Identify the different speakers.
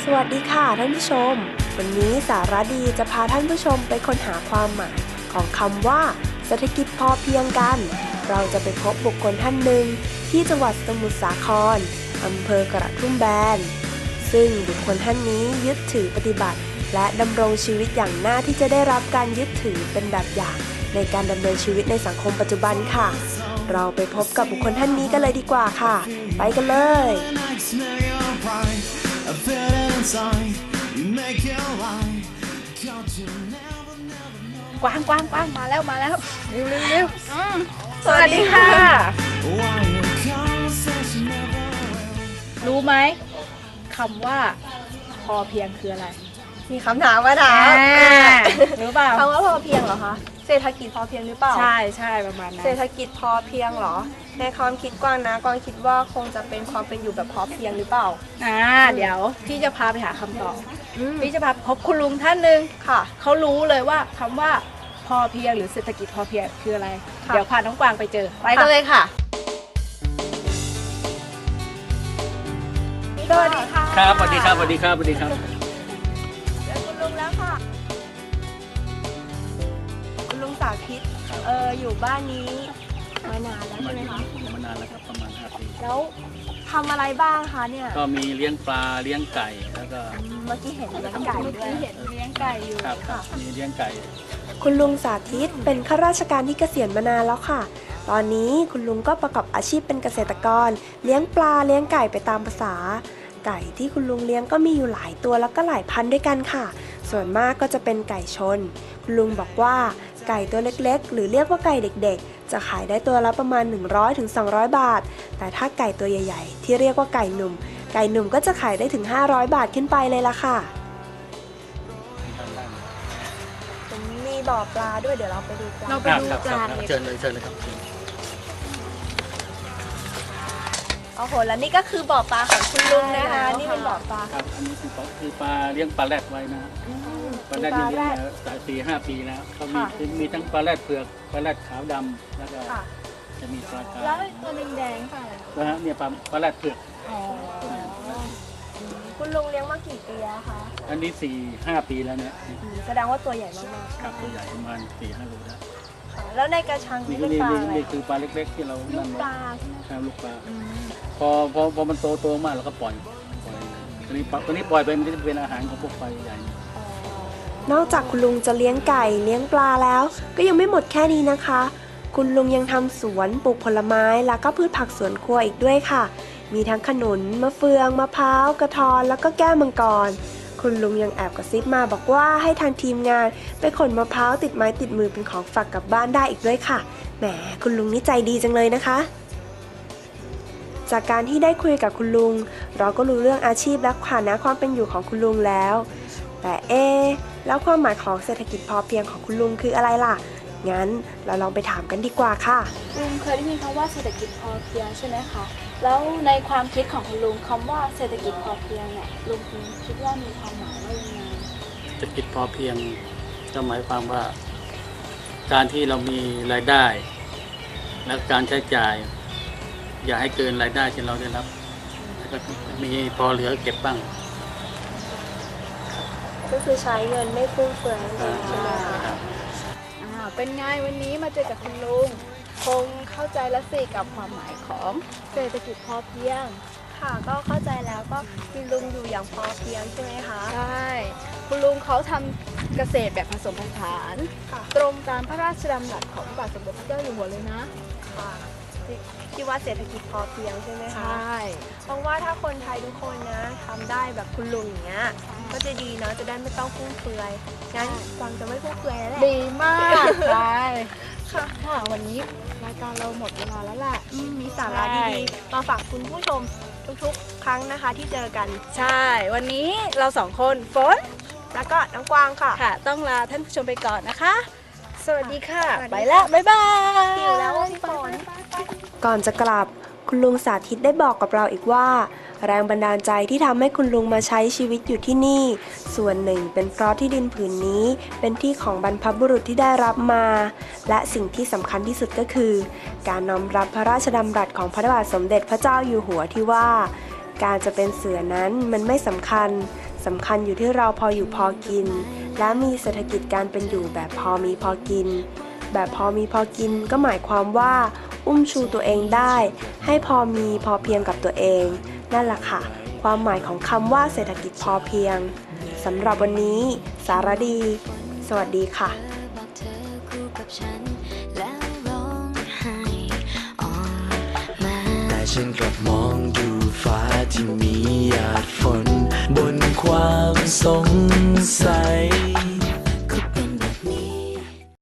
Speaker 1: วัสดีค่ะท่านผู้ชมวันนี้สาระดีจะพาท่านผู้ชมไปค้นหาความหมายของคำว่าเศรษฐกิจพอเพียงกันเราจะไปพบบุคคลท่านหนึ่งที่จังหวัดสมุทรสาครอำเภอกระทุ่มแบนซึ่งบุคคลท่านนี้ยึดถือปฏิบัติและดำรงชีวิตอย่างน่าที่จะได้รับการยึดถือเป็นแบบอย่างในการดำเนินชีวิตในสังคมปัจจุบันค่ะเราไปพบกับบุคคลท่านนี้กันเลยดีกว่าค่ะไปกันเลย
Speaker 2: กวางมาแล้วเร็ว
Speaker 1: สวัสดีค่ะ
Speaker 2: รู้ไหมคำว่าพอเพียงคืออะไร
Speaker 1: มีคำถามมาถาม
Speaker 2: รู้เปล่า
Speaker 1: คำว่าพอเพียงเหรอคะเศรษฐกิจพอเพียงหรือเปล่า
Speaker 2: ใช่ประมาณนั้น
Speaker 1: เศรษฐกิจพอเพียงเหรอในความคิดกวางนะกวางคิดว่าคงจะเป็นความเป็นอยู่แบบพอเพียงหรือเปล่า
Speaker 2: เดี๋ยวพี่จะพาไปหาคำตอบพี่จะพาพบคุณลุงท่านหนึ่ง
Speaker 1: ค่ะ
Speaker 2: เขารู้เลยว่าคำว่าพอเพียงหรือเศรษฐกิจพอเพียงคืออะไรเดี๋ยวพาน้องกวางไปเจอไปกันเลยค่ะ
Speaker 1: สวัสดีค่ะ
Speaker 3: ครับสวัสดีครับ
Speaker 1: เจอคุณลุงแล้วค่ะคุณลุงสาธิตอยู่บ้านนี้มานานแล้วใช่ไหมคะ
Speaker 3: มานานแล้วครับประมาณ5 ปี
Speaker 1: แล้วทำอะไรบ้างคะเนี่ย
Speaker 3: ก็มีเลี้ยงปลาเลี้ยงไก่แล้วก็
Speaker 1: เมื่อกี้เห็นเลี้ยงไก่ด้วย
Speaker 2: เห็นเลี้ยงไก่อยู่
Speaker 3: ครับมีเลี้ยงไก่
Speaker 1: คุณลุงสาธิตเป็นข้าราชการที่เกษียณมานานแล้วค่ะตอนนี้คุณลุงก็ประกอบอาชีพเป็นเกษตรกรเลี้ยงปลาเลี้ยงไก่ไปตามภาษาไก่ที่คุณลุงเลี้ยงก็มีอยู่หลายตัวแล้วก็หลายพันธุ์ด้วยกันค่ะส่วนมากก็จะเป็นไก่ชนคุณลุงบอกว่าไก่ตัวเล็กๆหรือเรียกว่าไก่เด็กๆจะขายได้ตัวละประมาณ100-200 บาทแต่ถ้าไก่ตัวใหญ่ๆที่เรียกว่าไก่หนุ่มก็จะขายได้ถึง500 บาทขึ้นไปเลยล่ะค่ะมีบ่อปลาด้วยเดี๋ยวเราไปดูปลา
Speaker 3: เชิญเลยครับ
Speaker 1: โอ้โหแล้วนี่ก็คือบ่อปลาของคุณลุงนะคะนี่เป็นบ่อปลา
Speaker 3: ครับอันนี้คือปลาเลี้ยงปลาแรดไว้นะปลาแรดนี่เลี้ยงมา4-5 ปีแล้วเขามีทั้งปลาแรดเผือกปลาแรดขาวดำแล้วก็จะมีปลากระ
Speaker 2: แล้วตัวแดงค่ะ
Speaker 3: เนี่ยปลาแรดเผือก
Speaker 1: คุณลุงเลี้ยงมากี่ปีแล้วคะ
Speaker 3: อันนี้4-5 ปีแล้วเนี่ย
Speaker 1: แสดงว่าตัวใหญ่มาก
Speaker 3: ๆครับตัวใหญ่ประมาณ4-5 โลได้
Speaker 1: แล้วในกระชังนี่เป็นปลาอะไร
Speaker 3: นี่คือปลาเล็กๆที่เรา
Speaker 1: ลูกปลาใช่ไหม
Speaker 3: ครับลูกปลาพอมันโตมากเราก็ปล่อยตัวนี้ปล่อยไปมันจะเป็นอาหารของพวกปลาใหญ่
Speaker 1: นอกจากคุณลุงจะเลี้ยงไก่เลี้ยงปลาแล้วก็ยังไม่หมดแค่นี้นะคะคุณลุงยังทำสวนปลูกผลไม้แล้วก็พืชผักสวนครัวอีกด้วยค่ะมีทั้งขนุนมะเฟืองมะพร้าวกระท้อนแล้วก็แก้วมังกรคุณลุงยังแอบกระซิบมาบอกว่าให้ทางทีมงานไปขนมะพร้าวติดไม้ติดมือเป็นของฝากกลับบ้านได้อีกด้วยค่ะแหมคุณลุงนี่ใจดีจังเลยนะคะจากการที่ได้คุยกับคุณลุงเราก็รู้เรื่องอาชีพและฐานะความเป็นอยู่ของคุณลุงแล้วแต่แล้วความหมายของเศรษฐกิจพอเพียงของคุณลุงคืออะไรล่ะงั้นเราลองไปถามกันดีกว่าค่ะ
Speaker 2: ลุงเคยได้ยินคำว่าเศรษฐกิจพอเพียงใช่ไหมคะแล้วในความคิดของคุณลุงคำว่าเศรษฐกิจพอเพียงเนี่ยลุงคิดว่ามีความหมายว่ายังไง
Speaker 3: เศรษฐกิจพอเพียงก็หมายความว่าการที่เรามีรายได้และการใช้จ่ายอย่าให้เกินรายได้ที่เราได้รับแล้วก็มีพอเหลือเก็บบ้าง
Speaker 1: ก็คือใช้เงินไม่ฟุ่มเฟือยใช่ไหมคะ
Speaker 2: เป็นไงวันนี้มาเจอกับคุณลุงคงเข้าใจแล้วสิกับความหมายของเศรษฐกิจพอเพียง
Speaker 1: ค่ะก็เข้าใจแล้วก็คุณลุงอยู่อย่างพอเพียงใช่ไหมคะ
Speaker 2: ใช่คุณลุงเขาทำเกษตรแบบผสมผสานตรงตามพระราชดำรัสของพระบาทสมเด็จพระเจ้าอยู่หัวเลยนะ
Speaker 1: ค่ะที่ว่าเศรษฐกิจพอเพียงใช่ไหมคะ
Speaker 2: ใช่
Speaker 1: เพราะว่าถ้าคนไทยทุกคนนะทำได้แบบคุณลุงอย่างเงี้ยก็จะดีเนาะจะได้ไม่ต้องฟุ่มเฟือยงั้นกวางจะไม่ฟุ่มเฟือยแล้วแหละ
Speaker 2: ดีมากใช่ค่ะวันนี้รายการเราหมดเวลาแล้วแหละ
Speaker 1: มีสาระดีๆมาฝากคุณผู้ชมทุกๆครั้งนะคะที่เจอกัน
Speaker 2: ใช่วันนี้เรา2 คนฝน
Speaker 1: แล้วก็น้องกวางค่ะ
Speaker 2: ต้องลาท่านผู้ชมไปก่อนนะคะสวัสดีค่ะไปแล้วบ๊ายบาย
Speaker 1: หิวแล้วพี่ฝนก่อนจะกลับคุณลุงสาธิตได้บอกกับเราอีกว่าแรงบันดาลใจที่ทำให้คุณลุงมาใช้ชีวิตอยู่ที่นี่ส่วนหนึ่งเป็นเพราะที่ดินผืนนี้เป็นที่ของบรรพบุรุษที่ได้รับมาและสิ่งที่สำคัญที่สุดก็คือการน้อมรับพระราชดำรัสของพระบาทสมเด็จพระเจ้าอยู่หัวที่ว่าการจะเป็นเสือนั้นมันไม่สำคัญสสำคัญอยู่ที่เราพออยู่พอกิน และมีเศรษฐกิจการเป็นอยู่แบบพอมีพอกิน แบบพอมีพอกินก็หมายความว่า อุ้มชูตัวเองได้ ให้พอมีพอเพียงกับตัวเอง นั่นแหละค่ะ ความหมายของคำว่าเศรษฐกิจพอเพียงสำหรับวันนี้ สารดี สวัสดีค่ะ
Speaker 4: บอกเธอคู่กับฉันแล้วร้องไห้ออกมา
Speaker 5: แต่ฉันกลับมองดูฟ้าที่มีหยาดฝน บนความสงสัย